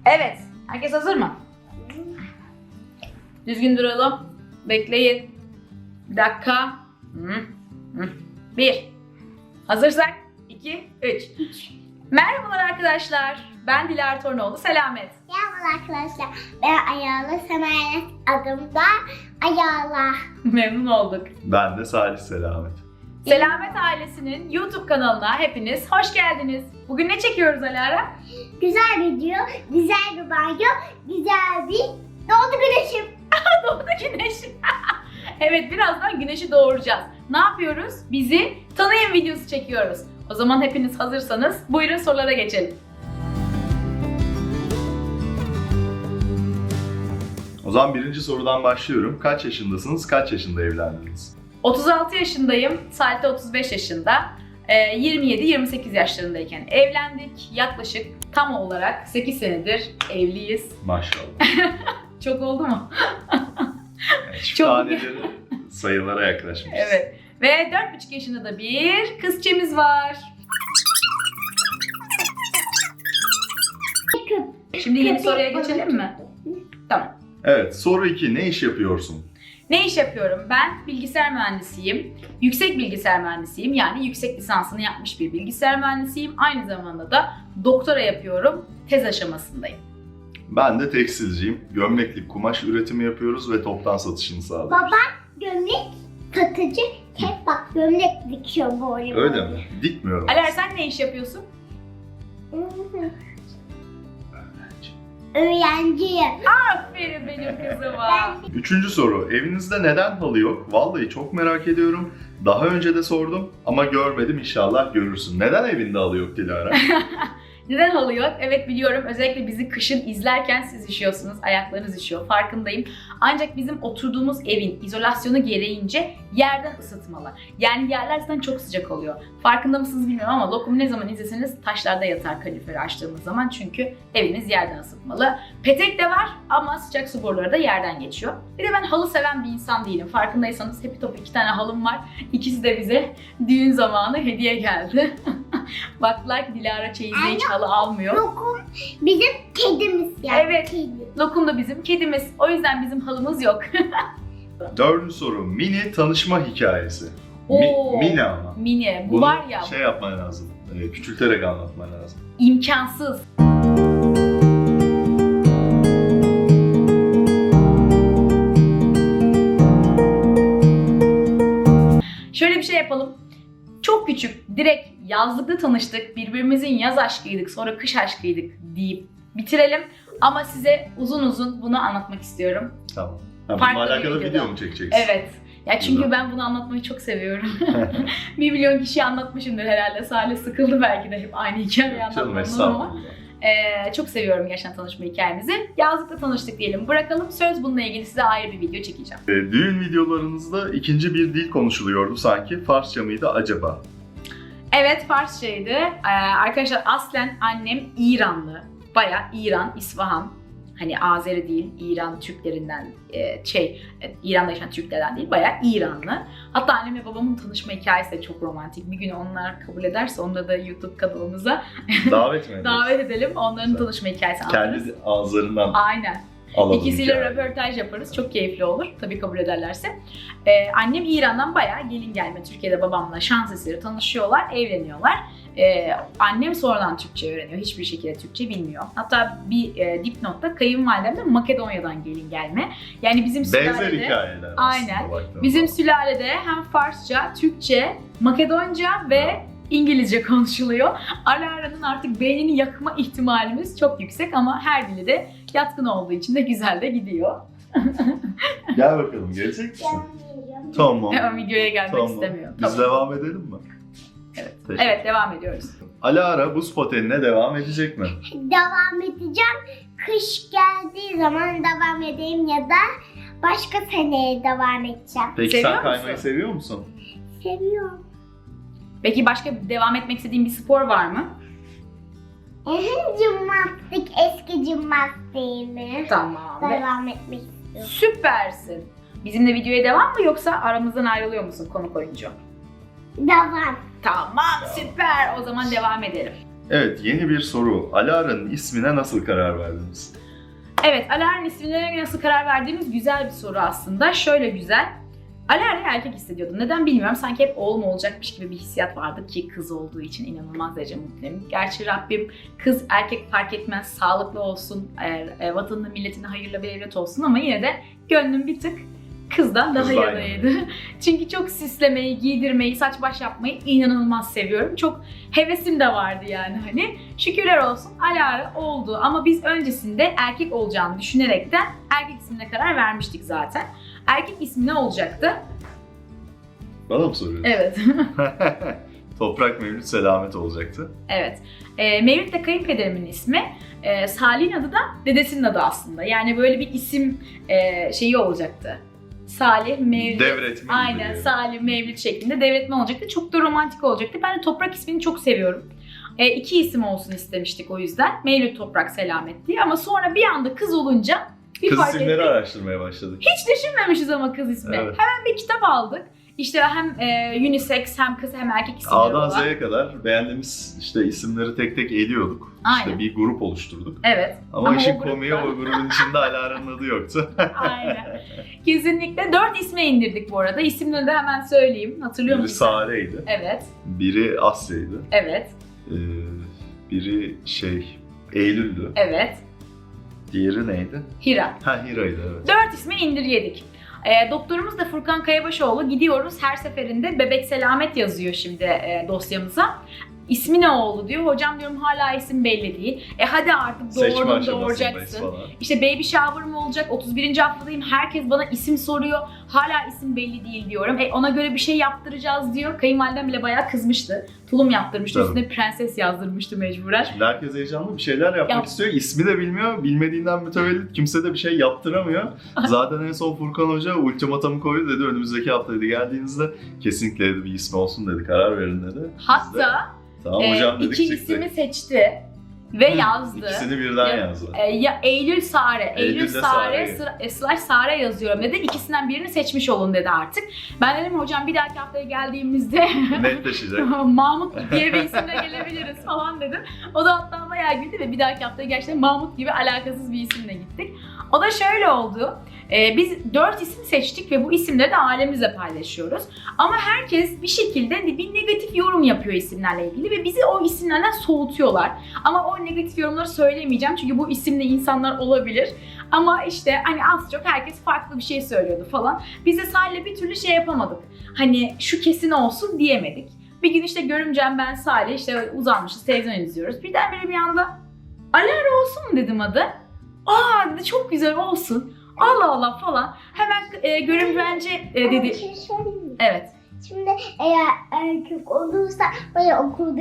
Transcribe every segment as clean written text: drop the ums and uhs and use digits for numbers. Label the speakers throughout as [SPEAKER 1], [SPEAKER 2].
[SPEAKER 1] Evet, herkes hazır mı? Düzgün duralım. Bekleyin. Bir dakika. 1. Hazırsak 2, 3. Merhabalar arkadaşlar. Ben Dilara Tornoğlu, Selamet.
[SPEAKER 2] Merhaba arkadaşlar. Ben Ayala Semanet, adım da Ayala.
[SPEAKER 1] Memnun olduk.
[SPEAKER 3] Ben de Salih Selamet.
[SPEAKER 1] Selamet ailesinin YouTube kanalına hepiniz hoş geldiniz. Bugün ne çekiyoruz Alara?
[SPEAKER 2] Güzel video, güzel bir banyo, güzel bir doğdu güneşim.
[SPEAKER 1] Doğdu güneş. Evet, birazdan güneşi doğuracağız. Ne yapıyoruz? Bizi tanıyın videosu çekiyoruz. O zaman hepiniz hazırsanız buyurun sorulara geçelim.
[SPEAKER 3] O zaman birinci sorudan başlıyorum. Kaç yaşındasınız, kaç yaşında evlendiniz?
[SPEAKER 1] 36 yaşındayım, Salih de 35 yaşında. 27-28 yaşlarındayken evlendik. Yaklaşık tam olarak 8 senedir evliyiz.
[SPEAKER 3] Maşallah.
[SPEAKER 1] Çok oldu mu?
[SPEAKER 3] Çift
[SPEAKER 1] Çok-
[SPEAKER 3] taneleri sayılara yaklaşmışız.
[SPEAKER 1] Evet. Ve 4,5 yaşında da bir kızçemiz var. Şimdi yeni soruya geçelim mi? Tamam.
[SPEAKER 3] Evet, soru 2. Ne iş yapıyorsun?
[SPEAKER 1] Ne iş yapıyorum? Ben bilgisayar mühendisiyim. Yüksek bilgisayar mühendisiyim. Yani yüksek lisansını yapmış bir bilgisayar mühendisiyim. Aynı zamanda da doktora yapıyorum. Tez aşamasındayım.
[SPEAKER 3] Ben de tekstilciyim. Gömleklik kumaş üretimi yapıyoruz ve toptan satışını sağlıyoruz.
[SPEAKER 2] Baba gömlek satıcı, hep bak gömlek dikiyor böyle.
[SPEAKER 3] Öyle mi? Dikmiyorum.
[SPEAKER 1] Aler, sen ne iş yapıyorsun?
[SPEAKER 2] Öğrenciyim.
[SPEAKER 1] Aferin benim kızıma.
[SPEAKER 3] Üçüncü soru. Evinizde neden halı yok? Vallahi çok merak ediyorum. Daha önce de sordum ama görmedim, inşallah görürsün. Neden evinde halı yok Dilara?
[SPEAKER 1] Neden halı yok? Evet, biliyorum. Özellikle bizi kışın izlerken siz üşüyorsunuz. Ayaklarınız üşüyor. Farkındayım. Ancak bizim oturduğumuz evin izolasyonu gereğince yerden ısıtmalı. Yani yerler zaten çok sıcak oluyor. Farkında mısınız bilmiyorum ama lokumu ne zaman izleseniz taşlarda yatar kaloriferi açtığımız zaman. Çünkü eviniz yerden ısıtmalı. Petek de var ama sıcak su boruları da yerden geçiyor. Bir de ben halı seven bir insan değilim. Farkındaysanız hepi topu 2 tane halım var. İkisi de bize düğün zamanı hediye geldi. Baktılar ki Dilara çeyizde hiç halı almıyor.
[SPEAKER 2] Lokum bizim kedimiz yani.
[SPEAKER 1] Evet.
[SPEAKER 2] Kedi.
[SPEAKER 1] Lokum da bizim kedimiz. O yüzden bizim halımız yok.
[SPEAKER 3] Dördüncü soru. Mini tanışma hikayesi.
[SPEAKER 1] Oo.
[SPEAKER 3] Mini ama.
[SPEAKER 1] Mini. Bu
[SPEAKER 3] Bunu
[SPEAKER 1] var ya,
[SPEAKER 3] şey yapman lazım. Küçülterek anlatman lazım.
[SPEAKER 1] imkansız. Şöyle bir şey yapalım. Çok küçük, direkt yazlıkta tanıştık, birbirimizin yaz aşkıydık, sonra kış aşkıydık deyip bitirelim. Ama size uzun uzun bunu anlatmak istiyorum.
[SPEAKER 3] Tamam. Ha,
[SPEAKER 1] Farklı
[SPEAKER 3] bununla
[SPEAKER 1] bir
[SPEAKER 3] alakalı
[SPEAKER 1] videoda.
[SPEAKER 3] video mu çekeceksin?
[SPEAKER 1] Evet. Ya çünkü
[SPEAKER 3] Güzel.
[SPEAKER 1] ben bunu anlatmayı çok seviyorum. 1 milyon kişiye anlatmışımdır herhalde. Salih sıkıldı belki de hep aynı hikayeyi
[SPEAKER 3] Canım
[SPEAKER 1] anlatmamdan ama.
[SPEAKER 3] estağfurullah.
[SPEAKER 1] Çok seviyorum gerçekten tanışma hikayemizi. Yazlıkta tanıştık diyelim. Bırakalım. Söz bununla ilgili size ayrı bir video çekeceğim.
[SPEAKER 3] Düğün videolarınızda ikinci bir dil konuşuluyordu sanki. Farsça mıydı acaba?
[SPEAKER 1] Evet, Farsçaydı. Arkadaşlar aslen annem İranlı. Bayağı İran, İsfahan. Hani Azeri değil, İran Türklerinden, İran'da yaşayan Türklerden değil, bayağı İranlı. Hatta annemle babamın tanışma hikayesi de çok romantik. Bir gün onlar kabul ederse onları da YouTube kanalımıza
[SPEAKER 3] Davet mi ederiz?
[SPEAKER 1] davet edelim. Onların
[SPEAKER 3] Güzel.
[SPEAKER 1] tanışma hikayesi anlatırız.
[SPEAKER 3] Kendi ağızlarından
[SPEAKER 1] Aynen.
[SPEAKER 3] alalım
[SPEAKER 1] İkisiyle
[SPEAKER 3] hikayeyi.
[SPEAKER 1] röportaj yaparız. Çok keyifli olur. Tabii kabul ederlerse. Annem İran'dan bayağı gelin gelme. Türkiye'de babamla şans eseri tanışıyorlar, evleniyorlar. Annem sonradan Türkçe öğreniyor. Hiçbir şekilde Türkçe bilmiyor. Hatta bir dipnotta kayınvalidem de Makedonya'dan gelin gelme. Yani bizim
[SPEAKER 3] Benzer
[SPEAKER 1] sülalede...
[SPEAKER 3] hikayeler
[SPEAKER 1] Aynen.
[SPEAKER 3] aslında baktığınız
[SPEAKER 1] Bizim
[SPEAKER 3] zaman.
[SPEAKER 1] sülalede hem Farsça, Türkçe, Makedonca ve İngilizce konuşuluyor. Alara'nın artık beynini yakma ihtimalimiz çok yüksek ama her dili de yatkın olduğu için de güzel de gidiyor.
[SPEAKER 3] Gel bakalım, gelecek misin?
[SPEAKER 2] Canım.
[SPEAKER 3] Tamam.
[SPEAKER 1] Ama videoya gelmek
[SPEAKER 3] Tamam.
[SPEAKER 1] istemiyor.
[SPEAKER 3] Biz
[SPEAKER 1] Tamam.
[SPEAKER 3] devam edelim mi?
[SPEAKER 1] Evet.
[SPEAKER 3] Teşekkür.
[SPEAKER 1] Evet, devam ediyoruz.
[SPEAKER 3] Alara buz patenine devam edecek mi?
[SPEAKER 2] Devam edeceğim. Kış geldiği zaman devam edeyim ya da başka seneye devam edeceğim.
[SPEAKER 3] Peki
[SPEAKER 1] Seviyor
[SPEAKER 3] sen kaymayı
[SPEAKER 1] musun?
[SPEAKER 3] seviyor musun?
[SPEAKER 2] Seviyorum.
[SPEAKER 1] Peki başka devam etmek istediğin bir spor var mı?
[SPEAKER 2] Jimnastik, eski jimnastiğimi
[SPEAKER 1] Tamam.
[SPEAKER 2] devam etmek istiyorum.
[SPEAKER 1] Süpersin. Bizimle videoya devam mı yoksa aramızdan ayrılıyor musun konuk oyuncu?
[SPEAKER 2] Devam.
[SPEAKER 1] Tamam, süper. O zaman devam edelim.
[SPEAKER 3] Evet, yeni bir soru. Alara'nın ismine nasıl karar verdiniz?
[SPEAKER 1] Evet, Alara'nın ismine nasıl karar verdiğimiz güzel bir soru aslında. Şöyle güzel. Alara'yı erkek hissediyordum. Neden bilmiyorum. Sanki hep oğlum olacakmış gibi bir hissiyat vardı ki kız olduğu için inanılmaz derece mutluyum. Gerçi Rabbim kız erkek fark etmez, sağlıklı olsun, vatanına milletine hayırlı bir evlat olsun ama yine de gönlüm bir tık kızdan daha
[SPEAKER 3] Kızdan
[SPEAKER 1] yanaydı. Çünkü çok süslemeyi, giydirmeyi, saç baş yapmayı inanılmaz seviyorum. Çok hevesim de vardı yani hani. Şükürler olsun Alara oldu ama biz öncesinde erkek olacağını düşünerekten erkek ismine karar vermiştik zaten. Erkek ismi ne olacaktı?
[SPEAKER 3] Bana mı soruyorsun?
[SPEAKER 1] Evet.
[SPEAKER 3] Toprak Mevlüt Selamet olacaktı.
[SPEAKER 1] Evet. Mevlüt de kayınpederimin ismi. Salih'in adı da dedesinin adı aslında. Yani böyle bir isim şeyi olacaktı. Salih, Mevlüt.
[SPEAKER 3] Devretme.
[SPEAKER 1] Aynen, Salih, Mevlüt şeklinde devretme olacaktı. Çok da romantik olacaktı. Ben de Toprak ismini çok seviyorum. 2 isim olsun istemiştik o yüzden. Mevlüt, Toprak, Selamet diye. Ama sonra bir anda kız olunca bir
[SPEAKER 3] Kız
[SPEAKER 1] fark
[SPEAKER 3] isimleri
[SPEAKER 1] ettik.
[SPEAKER 3] araştırmaya başladık.
[SPEAKER 1] Hiç düşünmemişiz ama kız ismi.
[SPEAKER 3] Evet.
[SPEAKER 1] Hemen bir kitap aldık. İşte hem unisex hem kız hem erkek isimleri
[SPEAKER 3] A'dan
[SPEAKER 1] olan.
[SPEAKER 3] Z'ye kadar beğendiğimiz işte isimleri tek tek eliyorduk.
[SPEAKER 1] Aynen.
[SPEAKER 3] İşte bir grup oluşturduk.
[SPEAKER 1] Evet.
[SPEAKER 3] Ama
[SPEAKER 1] Ama
[SPEAKER 3] işin
[SPEAKER 1] o grupta-
[SPEAKER 3] komiği o grubun içinde Alara'nın adı yoktu.
[SPEAKER 1] Aynen. Kesinlikle 4 isme indirdik bu arada. İsimlerini de hemen söyleyeyim. Hatırlıyor
[SPEAKER 3] Biri
[SPEAKER 1] musun?
[SPEAKER 3] Sare'ydi,
[SPEAKER 1] Evet.
[SPEAKER 3] biri Asya'ydı,
[SPEAKER 1] Evet.
[SPEAKER 3] biri Eylül'dü.
[SPEAKER 1] Evet.
[SPEAKER 3] Diğeri neydi?
[SPEAKER 1] Hira.
[SPEAKER 3] Ha, Hira'ydı, evet.
[SPEAKER 1] 4 isme indir yedik. Doktorumuz da Furkan Kayabaşoğlu. Gidiyoruz her seferinde Bebek Selamet yazıyor şimdi dosyamıza. İsmi ne oldu diyor. Hocam diyorum hala isim belli değil. Hadi artık
[SPEAKER 3] Seçme
[SPEAKER 1] doğurdun
[SPEAKER 3] aşamasındayız
[SPEAKER 1] doğuracaksın.
[SPEAKER 3] falan.
[SPEAKER 1] İşte baby shower mı olacak? 31. haftadayım. Herkes bana isim soruyor. Hala isim belli değil diyorum. Ona göre bir şey yaptıracağız diyor. Kayınvalidem bile bayağı kızmıştı. Tulum yaptırmıştı.
[SPEAKER 3] Tabii.
[SPEAKER 1] Üstüne prenses yazdırmıştı mecburen.
[SPEAKER 3] Şimdi herkes heyecanlı bir şeyler yapmak
[SPEAKER 1] Yap.
[SPEAKER 3] istiyor. İsmi de bilmiyor. Bilmediğinden mütevellit kimse de bir şey yaptıramıyor. Zaten en son Furkan Hoca ultimatomu koydu dedi. Önümüzdeki hafta dedi, geldiğinizde kesinlikle dedi bir ismi olsun dedi. Karar verin dedi. Biz de,
[SPEAKER 1] Hatta
[SPEAKER 3] tamam hocam dedik,
[SPEAKER 1] iki
[SPEAKER 3] çıktı.
[SPEAKER 1] ismi seçti ve yazdı.
[SPEAKER 3] İkisini birden yazdı.
[SPEAKER 1] Ya Eylül Sare, Eylül
[SPEAKER 3] Eylül'de
[SPEAKER 1] Sare,
[SPEAKER 3] Sare'yi.
[SPEAKER 1] slash Sare yazıyorum dedi. İkisinden birini seçmiş olun dedi artık. Ben dedim hocam bir dahaki haftaya geldiğimizde
[SPEAKER 3] Netleşecek.
[SPEAKER 1] Mahmut diye bir isimle gelebiliriz falan dedim. O da hatta bayağı güldü ve bir dahaki haftaya gerçekten Mahmut gibi alakasız bir isimle gittik. O da şöyle oldu. Biz 4 isim seçtik ve bu isimleri de ailemizle paylaşıyoruz. Ama herkes bir şekilde bir negatif yorum yapıyor isimlerle ilgili ve bizi o isimlerden soğutuyorlar. Ama o negatif yorumları söylemeyeceğim çünkü bu isimli insanlar olabilir. Ama işte hani az çok herkes farklı bir şey söylüyordu falan. Biz de Salih'le bir türlü şey yapamadık. Hani şu kesin olsun diyemedik. Bir gün işte görümcem ben Salih işte uzanmışız televizyon izliyoruz. Birdenbire bir anda Alara olsun mu dedim adı. Aa dedi çok güzel olsun. Allah Allah falan. Hemen görümcence dedi.
[SPEAKER 2] Bir şey söyleyeyim mi?
[SPEAKER 1] Evet.
[SPEAKER 2] Şimdi eğer erkek olursa böyle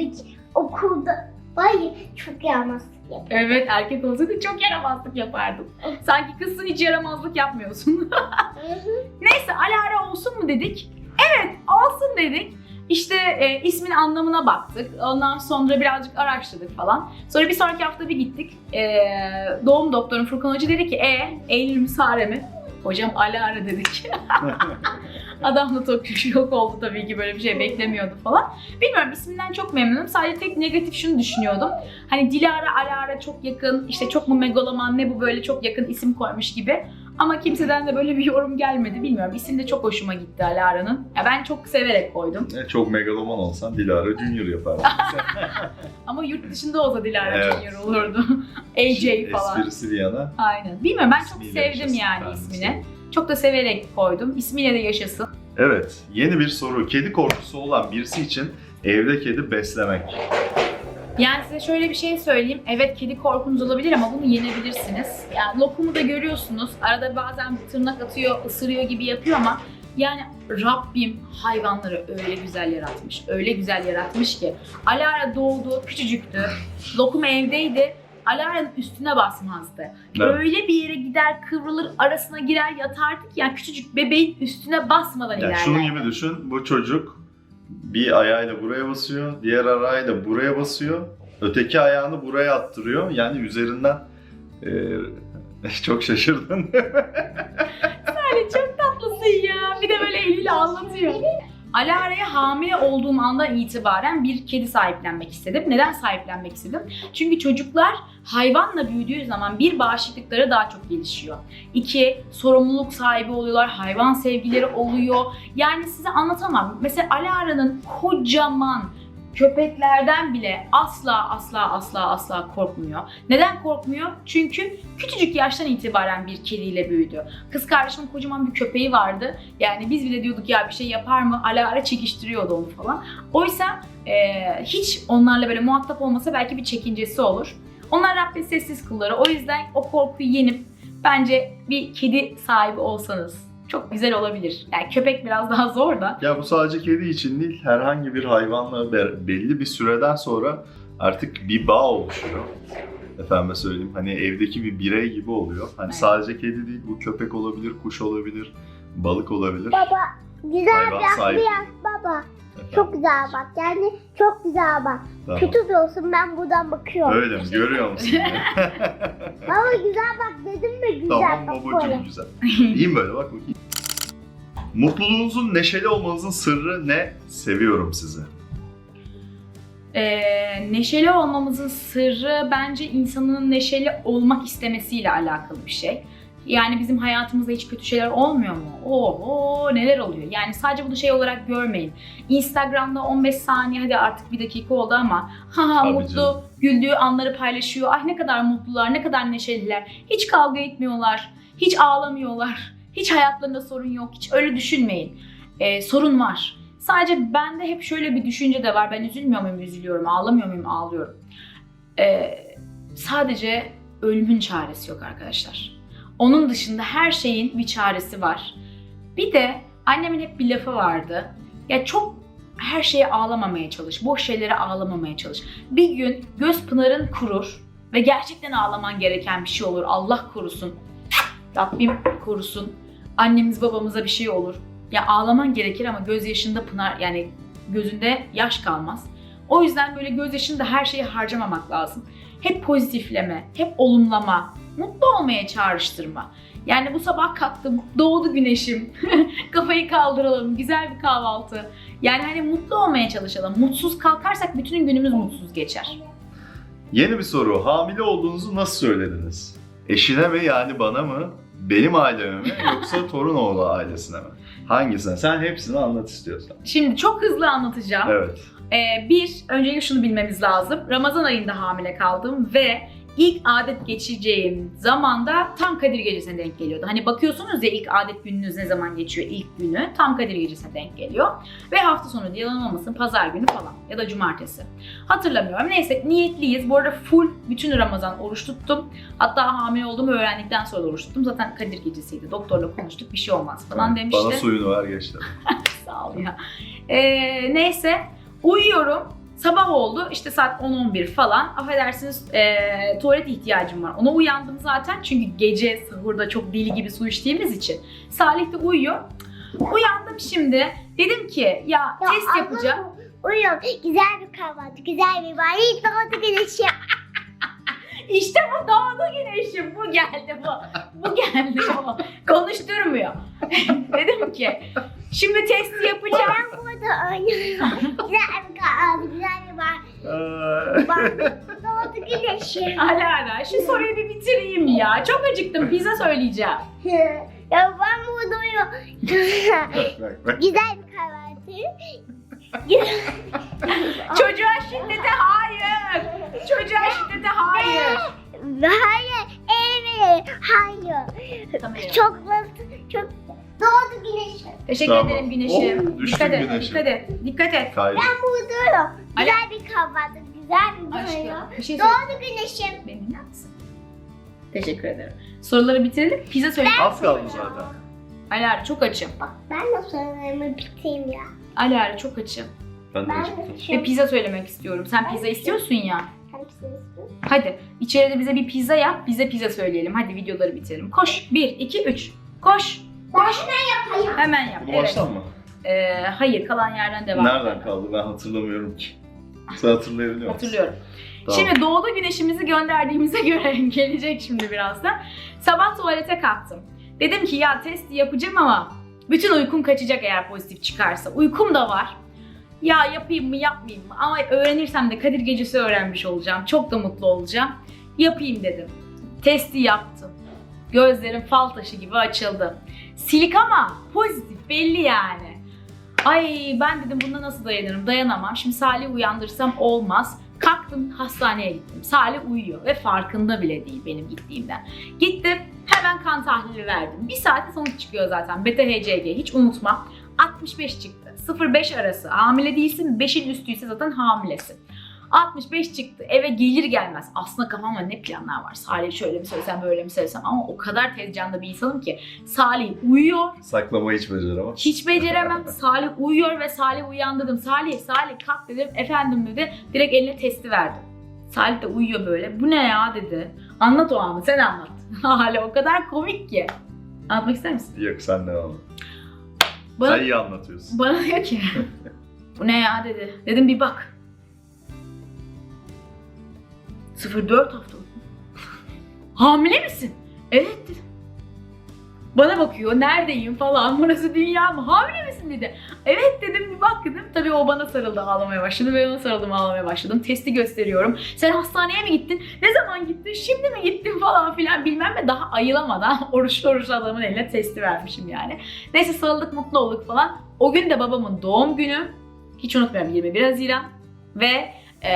[SPEAKER 2] okulda böyle çok yaramazlık yapar.
[SPEAKER 1] Evet erkek olsaydı çok yaramazlık yapardım. Sanki kızsın hiç yaramazlık yapmıyorsun. Neyse Alara olsun mu dedik. Evet olsun dedik. İşte ismin anlamına baktık. Ondan sonra birazcık araştırdık falan. Sonra bir sonraki hafta bir gittik. Doğum doktorum Furkan Hoca dedi ki Eylül mü Sare mi? Hocam Alara dedik. Adam da çok şok oldu tabii ki böyle bir şey beklemiyordu falan. Bilmiyorum isminden çok memnunum. Sadece tek negatif şunu düşünüyordum. Hani Dilara, Alara çok yakın, işte çok mu megaloman ne bu böyle çok yakın isim koymuş gibi. Ama kimseden de böyle bir yorum gelmedi. Bilmiyorum isim de çok hoşuma gitti Alara'nın. Ya ben çok severek koydum.
[SPEAKER 3] Çok megaloman olsan Dilara Junior yapardın.
[SPEAKER 1] Ama yurt dışında olsa Dilara
[SPEAKER 3] Evet.
[SPEAKER 1] Junior olurdu. AJ falan.
[SPEAKER 3] Esprisi bir yana.
[SPEAKER 1] Aynen. Bilmiyorum ben çok
[SPEAKER 3] İsmiyle
[SPEAKER 1] sevdim
[SPEAKER 3] yaşasın
[SPEAKER 1] yani
[SPEAKER 3] bence.
[SPEAKER 1] ismini. Çok da severek koydum. İsmiyle de yaşasın.
[SPEAKER 3] Evet, yeni bir soru. Kedi korkusu olan birisi için evde kedi beslemek.
[SPEAKER 1] Yani size şöyle bir şey söyleyeyim. Evet kedi korkunuz olabilir ama bunu yenebilirsiniz. Yani lokumu da görüyorsunuz. Arada bazen tırnak atıyor, ısırıyor gibi yapıyor ama yani Rabbim hayvanları öyle güzel yaratmış. Öyle güzel yaratmış ki. Alara doğdu, küçücüktü. Lokum evdeydi. Alara'nın üstüne basmazdı.
[SPEAKER 3] Evet.
[SPEAKER 1] Öyle bir yere gider, kıvrılır, arasına girer, yatardık yani küçücük bebeğin üstüne basmadan
[SPEAKER 3] Yani
[SPEAKER 1] ilerlerdi.
[SPEAKER 3] şunun gibi düşün, bu çocuk bir ayağıyla buraya basıyor, diğer ayağıyla buraya basıyor, öteki ayağını buraya attırıyor. Yani üzerinden çok şaşırdın.
[SPEAKER 1] Yani çok tatlısın ya. Bir de böyle eliyle anlatıyor. Alara'ya hamile olduğum andan itibaren bir kedi sahiplenmek istedim. Neden sahiplenmek istedim? Çünkü çocuklar hayvanla büyüdüğü zaman bir, bağışıklıkları daha çok gelişiyor. 2, sorumluluk sahibi oluyorlar, hayvan sevgileri oluyor. Yani size anlatamam. Mesela Alara'nın kocaman köpeklerden bile asla korkmuyor. Neden korkmuyor? Çünkü küçücük yaştan itibaren bir kediyle büyüdü. Kız kardeşimin kocaman bir köpeği vardı. Yani biz bile diyorduk ya bir şey yapar mı? Alara çekiştiriyordu onu falan. Oysa hiç onlarla böyle muhatap olmasa belki bir çekincesi olur. Onlar Rabbin sessiz kulları. O yüzden o korkuyu yenip bence bir kedi sahibi olsanız çok güzel olabilir. Yani köpek biraz daha zor da.
[SPEAKER 3] Ya bu sadece kedi için değil, herhangi bir hayvanla belli bir süreden sonra artık bir bağ oluşuyor. Efendime söyleyeyim, hani evdeki bir birey gibi oluyor. Hani
[SPEAKER 1] Evet.
[SPEAKER 3] sadece kedi değil, bu köpek olabilir, kuş olabilir, balık olabilir.
[SPEAKER 2] Baba güzel
[SPEAKER 3] Hayvan
[SPEAKER 2] bir
[SPEAKER 3] sahibi.
[SPEAKER 2] yaz baba.
[SPEAKER 3] Efendim,
[SPEAKER 2] Çok güzel bak. Yani çok güzel bak.
[SPEAKER 3] tamam.
[SPEAKER 2] Kötü de olsun ben buradan bakıyorum.
[SPEAKER 3] Öyle mi? Görüyor musun?
[SPEAKER 2] Baba güzel bak dedim mi güzel
[SPEAKER 3] Tamam
[SPEAKER 2] bak
[SPEAKER 3] babacığım,
[SPEAKER 2] böyle.
[SPEAKER 3] güzel. İyiyim böyle, bak bakayım. Mutluluğunuzun neşeli olmanızın sırrı ne? Seviyorum sizi.
[SPEAKER 1] Neşeli olmamızın sırrı bence insanın neşeli olmak istemesiyle alakalı bir şey. Yani bizim hayatımızda hiç kötü şeyler olmuyor mu? Oo neler oluyor? Yani sadece bunu şey olarak görmeyin. Instagram'da 15 saniye, hadi artık bir dakika oldu ama
[SPEAKER 3] Tabii
[SPEAKER 1] mutlu,
[SPEAKER 3] canım.
[SPEAKER 1] güldüğü anları paylaşıyor. Ah ne kadar mutlular, ne kadar neşeliler. Hiç kavga etmiyorlar, hiç ağlamıyorlar, hiç hayatlarında sorun yok. Hiç öyle düşünmeyin. Sorun var. Sadece bende hep şöyle bir düşünce de var. Ben üzülmüyor muyum? Üzülüyorum. Ağlamıyor muyum? Ağlıyorum. Sadece ölümün çaresi yok arkadaşlar. Onun dışında her şeyin bir çaresi var. Bir de annemin hep bir lafı vardı. Ya çok her şeye ağlamamaya çalış. Boş şeylere ağlamamaya çalış. Bir gün göz pınarın kurur ve gerçekten ağlaman gereken bir şey olur. Allah korusun. Rabbim korusun. Annemiz babamıza bir şey olur. Ya ağlaman gerekir ama gözyaşında pınar, yani gözünde yaş kalmaz. O yüzden böyle gözyaşını da her şeye harcamamak lazım. Hep pozitifleme, hep olumlama, mutlu olmaya çağrıştırma. Yani bu sabah kalktım, doğdu güneşim, kafayı kaldıralım, güzel bir kahvaltı. Yani hani mutlu olmaya çalışalım. Mutsuz kalkarsak bütün günümüz mutsuz geçer.
[SPEAKER 3] Yeni bir soru. Hamile olduğunuzu nasıl söylediniz? Eşine mi, yani bana mı? Benim aileme mi? Yoksa Torunoğlu ailesine mi? Hangisine? Sen hepsini anlat istiyorsan.
[SPEAKER 1] Şimdi çok hızlı anlatacağım.
[SPEAKER 3] Evet.
[SPEAKER 1] Öncelikle şunu bilmemiz lazım. Ramazan ayında hamile kaldım ve ilk adet geçireceğim zamanda tam Kadir Gecesi'ne denk geliyordu. Hani bakıyorsunuz ya ilk adet gününüz ne zaman geçiyor, ilk günü tam Kadir Gecesi'ne denk geliyor. Ve hafta sonu diye yalan olmasın, pazar günü falan ya da cumartesi. Hatırlamıyorum. Neyse niyetliyiz. Bu arada full bütün Ramazan oruç tuttum. Hatta hamile olduğumu öğrendikten sonra da oruç tuttum. Zaten Kadir Gecesi'ydi. Doktorla konuştuk, bir şey olmaz falan demişti.
[SPEAKER 3] Bana suyunu ver geçti.
[SPEAKER 1] Sağ ol ya. Neyse uyuyorum. Sabah oldu işte saat 10-11 falan. Affedersiniz tuvalet ihtiyacım var. Ona uyandım zaten çünkü gece sahurda çok deli gibi su içtiğimiz için. Salih de uyuyor. Uyandım şimdi. Dedim ki ya test yapacağım.
[SPEAKER 2] Uyuyorum. Güzel bir kahvaltı, güzel bir var. Hiç doğdu güneşi.
[SPEAKER 1] İşte bu doğdu güneşim. Bu geldi bu. Bu geldi bu. Konuşturmuyor. Dedim ki şimdi testi yapacağım.
[SPEAKER 2] Ben burada oynuyorum. Güzel bir kahvaltı, güzel bir var. Bak doğdu güneşi.
[SPEAKER 1] Alara şu soruyu bir bitireyim ya. Çok acıktım. Pizza söyleyeceğim.
[SPEAKER 2] Ya ben burada uyuyorum.
[SPEAKER 3] Bak.
[SPEAKER 2] Güzel bir kahvaltı.
[SPEAKER 1] Çocuğa şiddete hayır. Çocuğa şiddete hayır.
[SPEAKER 2] Hayır, evet, hayır.
[SPEAKER 1] Tamam.
[SPEAKER 2] Çok doğdu güneşi.
[SPEAKER 1] Teşekkür
[SPEAKER 3] Tamam.
[SPEAKER 1] ederim güneşim.
[SPEAKER 3] Oh, düştün
[SPEAKER 1] dikkat et,
[SPEAKER 3] güneşim.
[SPEAKER 1] dikkat et, dikkat et.
[SPEAKER 3] Kaydı.
[SPEAKER 2] Ben buradayım. Güzel bir kahvaltı, güzel bir doyum.
[SPEAKER 1] Aşkım bir şey söyle.
[SPEAKER 2] Doğdu güneşim.
[SPEAKER 1] Beni dinler misin? Teşekkür ederim. Soruları bitirelim. Pizza söyleyeyim.
[SPEAKER 3] Az kaldı zaten.
[SPEAKER 1] Alara çok açım.
[SPEAKER 2] Bak ben de sorularımı bitireyim ya.
[SPEAKER 1] Alara çok açım.
[SPEAKER 3] Ben de
[SPEAKER 2] Ben
[SPEAKER 3] acıktım.
[SPEAKER 2] de
[SPEAKER 1] Ve
[SPEAKER 2] şu
[SPEAKER 1] pizza söylemek istiyorum. Sen pizza istiyorsun ya.
[SPEAKER 2] hepsini istiyorum.
[SPEAKER 1] Hadi içeride bize bir pizza yap. Bize pizza söyleyelim. Hadi videoları bitirelim. Koş. 1, 2, 3. Koş.
[SPEAKER 2] Ben hemen yapayım.
[SPEAKER 1] Hemen yap.
[SPEAKER 3] Bu
[SPEAKER 1] Evet.
[SPEAKER 3] baştan mı?
[SPEAKER 1] Hayır, kalan yerden devam.
[SPEAKER 3] Nereden kaldı? Ben hatırlamıyorum ki. Sen hatırlayabiliyor musun?
[SPEAKER 1] Hatırlıyorum.
[SPEAKER 3] Tamam.
[SPEAKER 1] Şimdi doğdu güneşimizi gönderdiğimize göre gelecek şimdi birazdan. Sabah tuvalete kalktım. Dedim ki ya testi yapacağım ama Bütün uykum kaçacak eğer pozitif çıkarsa. Uykum da var. Ya yapayım mı yapmayayım mı? Ama öğrenirsem de Kadir Gecesi öğrenmiş olacağım. Çok da mutlu olacağım. Yapayım dedim. Testi yaptım. Gözlerim fal taşı gibi açıldı. Silik ama pozitif belli yani. Ay ben dedim buna nasıl dayanırım? Dayanamam. Şimdi Salih'i uyandırsam olmaz. Kalktım hastaneye gittim. Salih uyuyor ve farkında bile değil benim gittiğimden. Gittim hemen kan tahlili verdim. Bir saate sonuç çıkıyor zaten. Beta HCG hiç unutma. 65 çıktı. 0-5 arası. Hamile değilsin. 5'in üstüyse zaten hamilesin. 65 çıktı. Eve gelir gelmez. Aslında kafamda ne planlar var. Salih şöyle mi söylesem böyle mi söylesem ama o kadar tez canlı bir insanım ki. Salih uyuyor.
[SPEAKER 3] Saklamayı hiç beceremem.
[SPEAKER 1] Hiç beceremem. Salih uyuyor ve Salih uyandırdım. Salih kalk dedim. Efendim dedi. Direkt eline testi verdim. Salih de uyuyor böyle. Bu ne ya dedi. Anlat o anı sen anlat. Hala o kadar komik ki. Anlatmak ister misin?
[SPEAKER 3] Yok sen devam et.
[SPEAKER 1] Bana,
[SPEAKER 3] Sen iyi anlatıyorsun.
[SPEAKER 1] bana diyor ki bu ne ya dedi. Dedim bir bak. 0-4 hafta. Hamile misin? Evet dedim. Bana bakıyor, neredeyim falan, burası dünya mı? Hamile misin dedi. Evet dedim, bir bak dedim. Tabii o bana sarıldı, ağlamaya başladı. Ben ona sarıldım, ağlamaya başladım. Testi gösteriyorum. Sen hastaneye mi gittin? Ne zaman gittin? Şimdi mi gittin falan filan bilmem ne. Daha ayılamadan oruçlu adamın eline testi vermişim yani. Neyse sarıldık, mutlu olduk falan. O gün de babamın doğum günü. Hiç unutmuyorum 21 Haziran. Ve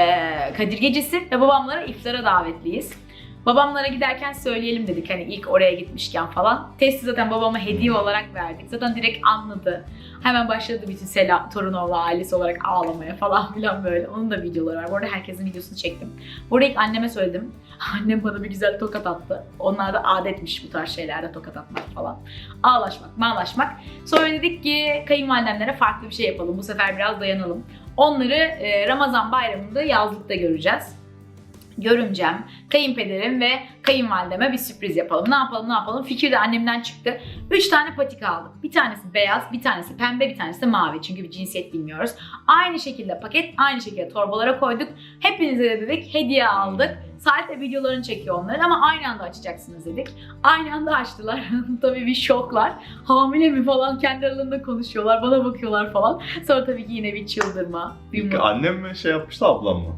[SPEAKER 1] Kadir Gecesi ve babamlara iftara davetliyiz. Babamlara giderken söyleyelim dedik hani ilk oraya gitmişken falan. Testi zaten babama hediye olarak verdik. Zaten direkt anladı. Hemen başladı bütün Torunoğlu ailesi olarak ağlamaya falan filan böyle. Onun da videoları var. Bu arada herkesin videosunu çektim. Bu arada ilk anneme söyledim. Annem bana bir güzel tokat attı. Onlar da adetmiş bu tarz şeylerde tokat atmak falan. Ağlaşmak, mağlaşmak. Sonra dedik ki kayınvalidemlere farklı bir şey yapalım. Bu sefer biraz dayanalım. Onları Ramazan bayramında yazlıkta göreceğiz. Görümcem, kayınpederim ve kayınvalideme bir sürpriz yapalım. Ne yapalım? Fikir de annemden çıktı. 3 tane patika aldık. Bir tanesi beyaz, bir tanesi pembe, bir tanesi de mavi. Çünkü bir cinsiyet bilmiyoruz. Aynı şekilde paket, aynı şekilde torbalara koyduk. Hepinize de dedik hediye aldık. Salih de videolarını çekiyor onların ama aynı anda açacaksınız dedik. Aynı anda açtılar. Tabii bir şoklar. Hamile mi falan kendi aralarında konuşuyorlar. Bana bakıyorlar falan. Sonra tabii ki yine bir çıldırma. Bir
[SPEAKER 3] Annem mi şey yapmıştı ablam mı?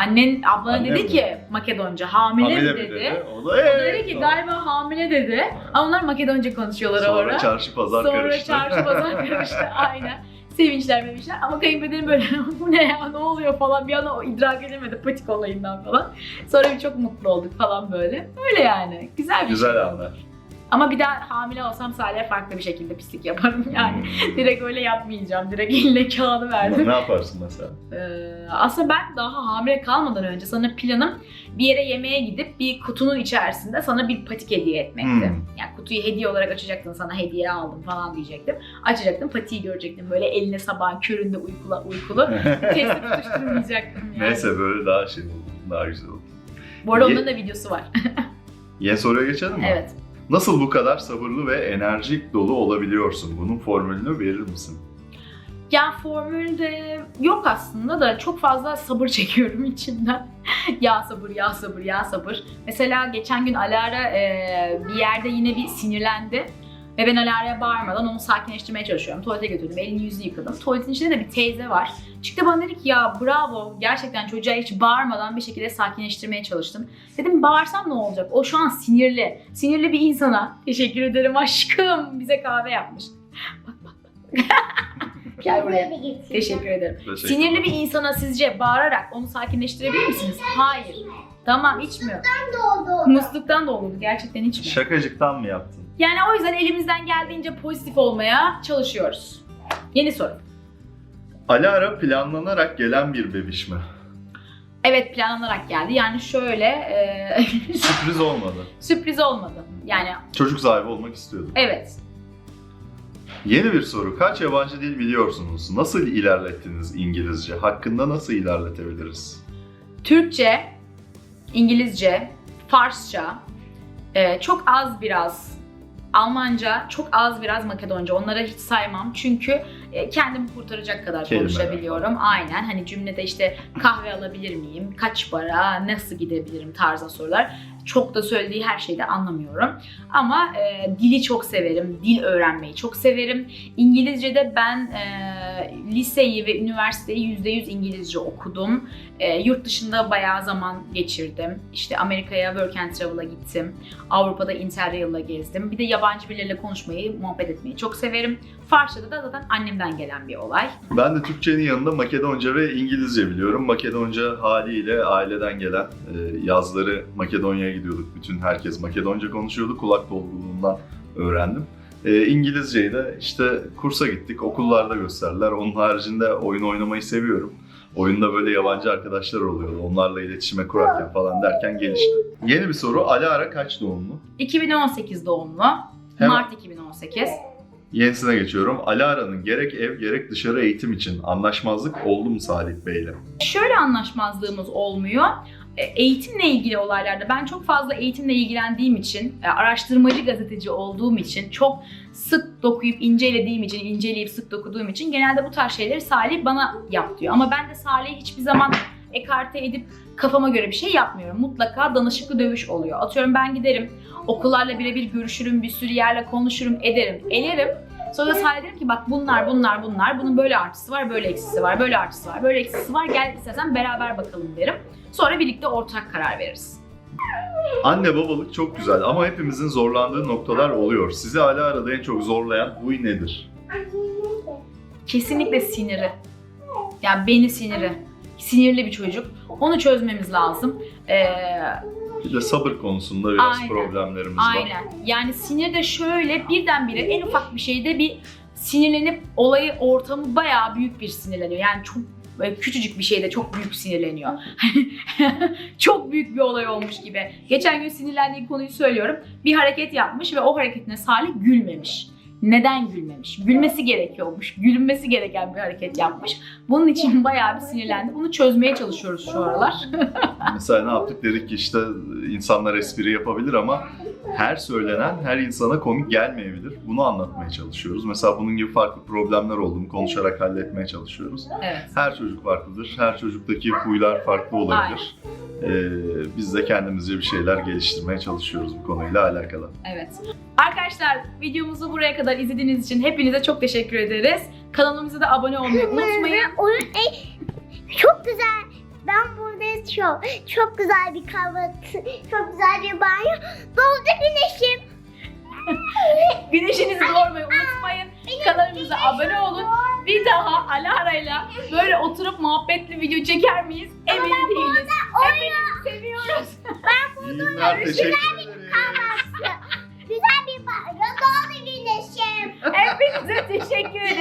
[SPEAKER 1] Ablana dedi ki Makedonca hamile mi dedi.
[SPEAKER 3] O da
[SPEAKER 1] dedi ki galiba hamile dedi. Ama onlar Makedonca konuşuyorlar
[SPEAKER 3] sonra
[SPEAKER 1] orada.
[SPEAKER 3] çarşı pazar karıştı.
[SPEAKER 1] Sonra çarşı pazar karıştı aynen. Sevinçler mevinçler ama kayınpederim böyle bu ne ya ne oluyor falan bir an o idrak edemedi patik olayından falan. Sonra bir çok mutlu olduk falan böyle. Öyle yani. Güzel bir
[SPEAKER 3] Güzel
[SPEAKER 1] şey
[SPEAKER 3] anlar.
[SPEAKER 1] oldu. Ama bir daha hamile olsam Salih'e farklı bir şekilde pislik yaparım yani. Direkt öyle yapmayacağım. Direkt eline kağıdı verdim.
[SPEAKER 3] Ne yaparsın mesela?
[SPEAKER 1] Aslında ben daha hamile kalmadan önce sana planım bir yere yemeğe gidip bir kutunun içerisinde sana bir patik hediye etmekti. Yani kutuyu hediye olarak açacaktın, sana hediye aldım falan diyecektim. Açacaktım, patiği görecektim böyle eline sabahın köründe uykulu. Testi tutuşturmayacaktım yani.
[SPEAKER 3] Neyse böyle daha şey oldu, daha güzel oldu.
[SPEAKER 1] Bu arada onların da videosu var.
[SPEAKER 3] Yeni soruya geçelim mi?
[SPEAKER 1] Evet.
[SPEAKER 3] Nasıl bu kadar sabırlı ve enerjik dolu olabiliyorsun? Bunun formülünü verir misin?
[SPEAKER 1] Ya formülde yok aslında da çok fazla sabır çekiyorum içimden. Ya sabır. Mesela geçen gün Alara bir yerde yine bir sinirlendi. Ve ben Alara'ya bağırmadan onu sakinleştirmeye çalışıyorum. Tuvalete götürdüm, elini yüzünü yıkadım. Tuvaletin içinde de bir teyze var. Çıktı bana dedi ki ya bravo, gerçekten çocuğa hiç bağırmadan bir şekilde sakinleştirmeye çalıştım. Dedim bağırsam ne olacak? O şu an sinirli. Sinirli bir insana teşekkür ederim aşkım bize kahve yapmış. Bak. Gel buraya. Teşekkür ederim. Sinirli bir insana sizce bağırarak onu sakinleştirebilir misiniz? Hayır. Tamam içmiyor. Musluktan da olurdu. Gerçekten içmiyor.
[SPEAKER 3] Şakacıktan mı yaptın?
[SPEAKER 1] Yani o yüzden elimizden geldiğince pozitif olmaya çalışıyoruz. Yeni soru.
[SPEAKER 3] Alara planlanarak gelen bir bebiş mi?
[SPEAKER 1] Evet planlanarak geldi. Yani şöyle
[SPEAKER 3] Sürpriz olmadı.
[SPEAKER 1] sürpriz olmadı. Yani
[SPEAKER 3] Çocuk sahibi olmak istiyordum.
[SPEAKER 1] evet.
[SPEAKER 3] Yeni bir soru. Kaç yabancı dil biliyorsunuz? Nasıl ilerlettiniz İngilizce? Hakkında nasıl ilerletebiliriz?
[SPEAKER 1] Türkçe, İngilizce, Farsça, çok az biraz Almanca, çok az biraz Makedonca. Onları hiç saymam çünkü kendimi kurtaracak kadar
[SPEAKER 3] Kelimeler.
[SPEAKER 1] konuşabiliyorum. Aynen, hani cümlede işte kahve alabilir miyim, kaç para, nasıl gidebilirim tarzı sorular. Çok da söylediği her şeyi de anlamıyorum. Ama dili çok severim, dil öğrenmeyi çok severim. İngilizce'de ben liseyi ve üniversiteyi %100 İngilizce okudum. Yurt dışında bayağı zaman geçirdim. İşte Amerika'ya Work and Travel'a gittim. Avrupa'da Interrail'la gezdim. Bir de yabancı birileriyle konuşmayı, muhabbet etmeyi çok severim. Farsça'da da zaten annemden gelen bir olay.
[SPEAKER 3] Ben de Türkçenin yanında Makedonca ve İngilizce biliyorum. Makedonca haliyle aileden gelen, yazları Makedonya'ya gidiyorduk. Bütün herkes Makedonca konuşuyordu. Kulak dolgunluğundan öğrendim. İngilizceyi de işte kursa gittik, okullarda gösterdiler. Onun haricinde oyun oynamayı seviyorum. Oyunda böyle yabancı arkadaşlar oluyordu. Onlarla iletişime kurarken falan derken gelişti. Yeni bir soru. Alara kaç doğumlu?
[SPEAKER 1] 2018 doğumlu.
[SPEAKER 3] Hemen.
[SPEAKER 1] Mart 2018.
[SPEAKER 3] Yenisine geçiyorum. Alara'nın gerek ev gerek dışarı eğitim için anlaşmazlık oldu mu Salih Bey'le?
[SPEAKER 1] Şöyle anlaşmazlığımız olmuyor. Eğitimle ilgili olaylarda ben çok fazla eğitimle ilgilendiğim için, araştırmacı gazeteci olduğum için, çok sık dokuyup incelediğim için, inceleyip sık dokuduğum için genelde bu tarz şeyleri Salih bana yap diyor. Ama ben de Salih'i hiçbir zaman ekarte edip kafama göre bir şey yapmıyorum. Mutlaka danışıklı dövüş oluyor. Atıyorum ben giderim, okullarla birebir görüşürüm, bir sürü yerle konuşurum, ederim. Sonra Salih derim ki bak bunlar, bunun böyle artısı var, böyle eksisi var, böyle artısı var, böyle eksisi var, gel istersen beraber bakalım derim. Sonra birlikte ortak karar veririz.
[SPEAKER 3] Anne babalık çok güzel ama hepimizin zorlandığı noktalar oluyor. Sizi Alara'da en çok zorlayan huy nedir?
[SPEAKER 1] Kesinlikle siniri. Yani beni siniri. Sinirli bir çocuk. Onu çözmemiz lazım.
[SPEAKER 3] Bir de sabır konusunda biraz
[SPEAKER 1] Aynen.
[SPEAKER 3] problemlerimiz var.
[SPEAKER 1] Aynen. Yani sinir de şöyle birdenbire en ufak bir şeyde bir sinirlenip ortamı bayağı büyük bir sinirleniyor. Yani çok küçücük bir şeyde çok büyük sinirleniyor. Çok büyük bir olay olmuş gibi. Geçen gün sinirlendiği konuyu söylüyorum. Bir hareket yapmış ve o hareketine Salih gülmemiş. Neden gülmemiş? Gülmesi gerekiyormuş. Gülünmesi gereken bir hareket yapmış. Bunun için bayağı bir sinirlendi. Bunu çözmeye çalışıyoruz şu aralar.
[SPEAKER 3] Mesela ne yaptık? Dedik ki işte insanlar espri yapabilir ama her söylenen her insana komik gelmeyebilir. Bunu anlatmaya çalışıyoruz. Mesela bunun gibi farklı problemler olduğunu konuşarak halletmeye çalışıyoruz.
[SPEAKER 1] Evet.
[SPEAKER 3] Her çocuk farklıdır. Her çocuktaki huylar farklı olabilir. Biz de kendimizce bir şeyler geliştirmeye çalışıyoruz bu konuyla alakalı.
[SPEAKER 1] Evet. Arkadaşlar videomuzu buraya kadar izlediğiniz için hepinize çok teşekkür ederiz. Kanalımıza da abone olmayı unutmayın.
[SPEAKER 2] Çok güzel. Ben burada çok güzel bir kahvaltı, çok güzel bir banyo. Doğdu güneşim.
[SPEAKER 1] Güneşinizi doğurmayı unutmayın. Kanalımıza abone olun. Bir daha Alara'yla böyle oturup muhabbetli video çeker miyiz? Emin değiliz. Hepinizi seviyoruz.
[SPEAKER 3] İyi günler, teşekkür ederim.
[SPEAKER 2] Güzel bir banyo. Doğdu güneşim.
[SPEAKER 1] Hepinize teşekkür